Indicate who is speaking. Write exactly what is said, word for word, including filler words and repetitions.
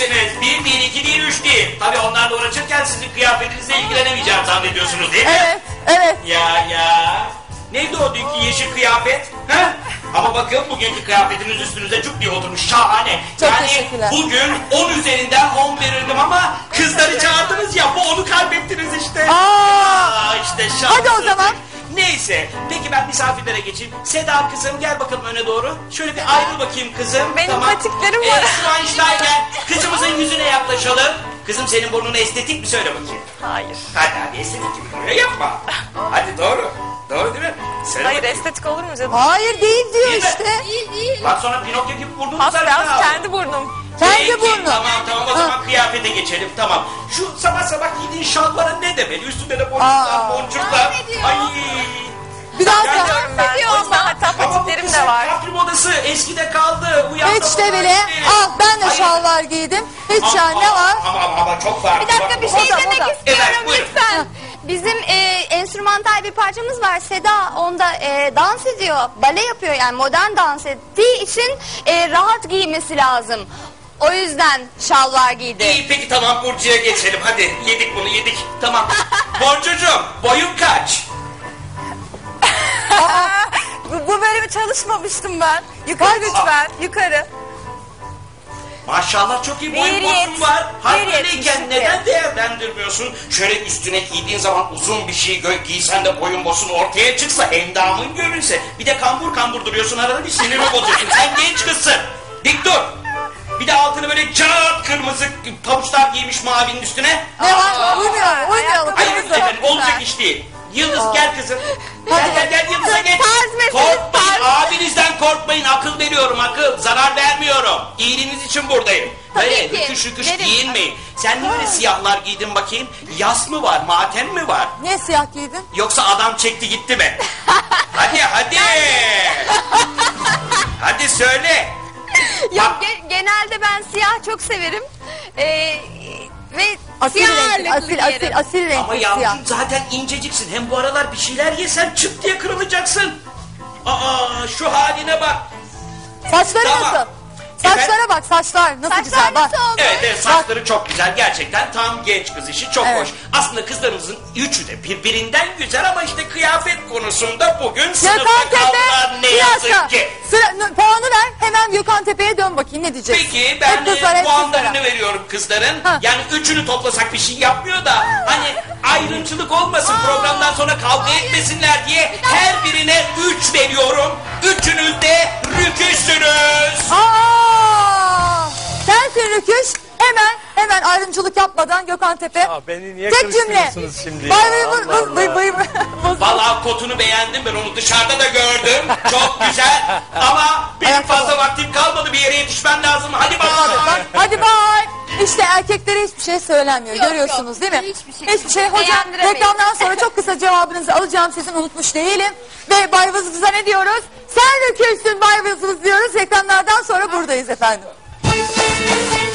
Speaker 1: misiniz? Bir değil, iki değil, üç değil. Tabii onlarla uğraşırken sizin kıyafetinizle ilgilenemeyeceğim zannediyorsunuz değil mi?
Speaker 2: Evet, evet.
Speaker 1: Ya ya. Neydi o dünkü yeşil kıyafet? Ha? Ama bakın bugünkü kıyafetiniz üstünüze cuk diye oturmuş. Şahane.
Speaker 2: Çok
Speaker 1: yani
Speaker 2: teşekkürler.
Speaker 1: bugün on üzerinden on verirdim ama kızları çağırdınız ya, bu onu kaybettiniz işte.
Speaker 2: Aa.
Speaker 1: Aa, işte şanssızlık.
Speaker 2: Hadi o zaman.
Speaker 1: Neyse. Peki ben misafirlere geçeyim. Seda kızım gel bakalım öne doğru. Şöyle bir ayrıl bakayım kızım.
Speaker 3: Benim patiklerim var.
Speaker 1: Ee, Schweinsteiger. Kızımızın yüzüne yaklaşalım. Kızım senin burnun estetik mi, söyle bakayım.
Speaker 3: Hayır.
Speaker 1: Hadi hadi estetik gibi duruyor, yapma. Hadi doğru. Doğru değil mi? Söyle
Speaker 3: Hayır,
Speaker 1: bakayım.
Speaker 3: estetik olur mu canım?
Speaker 2: Hayır değil diyor
Speaker 1: Değil mi?
Speaker 2: işte.
Speaker 4: Değil değil.
Speaker 1: Bak sonra Pinokyo gibi burnunu
Speaker 3: Paspas
Speaker 1: sarışına al.
Speaker 3: kendi burnum.
Speaker 2: Kendi
Speaker 1: Peki,
Speaker 2: burnu.
Speaker 1: Tamam tamam o
Speaker 2: Ha.
Speaker 1: zaman kıyafete geçelim, tamam. Şu sabah sabah giydiğin şalvara ne demeli? Üstünde de boncuklar
Speaker 2: Aa.
Speaker 1: boncuklar. Ay.
Speaker 2: Bir daha
Speaker 1: Ya,
Speaker 2: sor.
Speaker 3: Diyorum ben. O yüzden hatta
Speaker 1: Ama bu
Speaker 3: patiklerim
Speaker 1: kızın
Speaker 3: de var.
Speaker 1: kapri modası eskide kaldı. Uyandı
Speaker 2: Hiç de
Speaker 1: bunlar
Speaker 2: bile.
Speaker 1: işte.
Speaker 2: Al ben de
Speaker 1: Hayır.
Speaker 2: şalvar giydim. Hiç
Speaker 1: Ama-
Speaker 2: yani ne var?
Speaker 1: Ama ama, ama çok farklı.
Speaker 4: Bir dakika bir
Speaker 1: Bak,
Speaker 4: şey
Speaker 2: Moda,
Speaker 4: demek
Speaker 2: moda.
Speaker 4: istiyorum
Speaker 1: Evet, buyurun.
Speaker 4: lütfen. Bizim e, enstrümantal bir parçamız var. Seda onda e, dans ediyor. Bale yapıyor yani modern dans ettiği için e, rahat giymesi lazım. O yüzden şalvar giydi.
Speaker 1: İyi peki tamam, Burcu'ya geçelim. Hadi yedik bunu yedik. Tamam. Boncucuğum boyun kaç?
Speaker 3: Bu, bu bölümü çalışmamıştım ben. Yukarı lütfen. Yukarı.
Speaker 1: Maşallah çok iyi boyun
Speaker 3: Bir
Speaker 1: bosun
Speaker 3: yet-
Speaker 1: var. Hal
Speaker 3: bir
Speaker 1: böyleyken
Speaker 3: yetmiş iki.
Speaker 1: neden değerlendirmiyorsun? Şöyle üstüne giydiğin zaman uzun bir şey gö- giysen de boyun bosun ortaya çıksa, endamın görünse. Bir de kambur kambur duruyorsun, arada bir sinirimi bozuyorsun. Sen genç kızsın. Dik dur. Bir de altını böyle cart kırmızı pabuçlar giymiş mavinin üstüne.
Speaker 2: Ne var? Uymuyor, uymuyor.
Speaker 1: Hayır
Speaker 2: Kırmızı.
Speaker 1: efendim olacak iş değil. Yıldız gel kızım. Gel gel gel Yıldız'a geç.
Speaker 4: Tarz meselesi,
Speaker 1: Korkmayın,
Speaker 4: tarz.
Speaker 1: abinizden korkmayın. Akıl veriyorum, akıl. Zarar vermiyorum. İyiliğiniz için buradayım.
Speaker 4: Tabii
Speaker 1: Böyle
Speaker 4: ki.
Speaker 1: rüküş rüküş
Speaker 4: Verin.
Speaker 1: giyinmeyin. Sen niye böyle siyahlar giydin bakayım? Yas mı var, matem mi var?
Speaker 2: Niye siyah giydin?
Speaker 1: Yoksa adam çekti gitti mi? Hadi hadi. Hadi söyle.
Speaker 4: Yok ge- genelde ben siyah çok severim. E, ve
Speaker 2: Asil
Speaker 4: siyah
Speaker 2: renkli,
Speaker 4: ağırlıklı
Speaker 2: asil,
Speaker 4: giyerim.
Speaker 2: asil, asil
Speaker 1: Ama
Speaker 2: renkli siyah.
Speaker 1: yavrum zaten inceciksin. Hem bu aralar bir şeyler yesen çıt diye kırılacaksın. Aa şu haline bak.
Speaker 2: Saçları
Speaker 1: Tamam.
Speaker 2: nasıl? Saçlara bak, saçlar nasıl
Speaker 4: Saçlar
Speaker 2: güzel bak.
Speaker 4: nasıl oldu?
Speaker 1: Evet, evet saçları çok güzel. Gerçekten tam genç kız işi, çok
Speaker 2: Evet.
Speaker 1: hoş. Aslında kızlarımızın üçü de birbirinden güzel ama işte kıyafet konusunda bugün sınıfta
Speaker 2: Gökhan
Speaker 1: kaldılar ne
Speaker 2: Tepe, bir
Speaker 1: yazık
Speaker 2: dakika.
Speaker 1: ki.
Speaker 2: Sıra, n- puanı ver, hemen Gökhan Tepe'ye dön bakayım ne diyeceksin?
Speaker 1: Peki ben
Speaker 2: Hep kızlar,
Speaker 1: e,
Speaker 2: hep
Speaker 1: puanlarını
Speaker 2: kızlara.
Speaker 1: veriyorum kızların.
Speaker 2: Ha.
Speaker 1: Yani üçünü toplasak bir şey yapmıyor da hani ayrımcılık olmasın, programdan sonra kavga etmesinler diye her birine üç veriyorum. Üçünüz de rüküşsünüz.
Speaker 2: Aa! Sensin Rüküş. Hemen, hemen ayrımcılık yapmadan Gökhan Tepe.
Speaker 5: Ya beni niye
Speaker 2: Tek cümle.
Speaker 5: karıştırıyorsunuz şimdi ya?
Speaker 2: Bay bay bay
Speaker 5: Allah
Speaker 2: bay
Speaker 5: Allah.
Speaker 2: bay bay.
Speaker 1: Vallahi kotunu beğendim, ben onu dışarıda da gördüm. Çok güzel ama benim
Speaker 2: Ayakkabı.
Speaker 1: fazla vaktim kalmadı, bir yere yetişmem lazım. Hadi
Speaker 2: Bak,
Speaker 1: bak.
Speaker 2: hadi bay. İşte erkeklere hiçbir şey söylenmiyor.
Speaker 4: Yok,
Speaker 2: Görüyorsunuz
Speaker 4: yok.
Speaker 2: değil mi?
Speaker 4: Hiçbir şey.
Speaker 2: Hiçbir şey. Hocam
Speaker 4: Beğendiremeyiz.
Speaker 2: reklamdan sonra çok kısa cevabınızı alacağım, sizin unutmuş değilim. Ve Bay Vızvız'a ne diyoruz? Sen Rüküşsün Bay Vızvız diyoruz. Reklamlardan sonra buradayız efendim.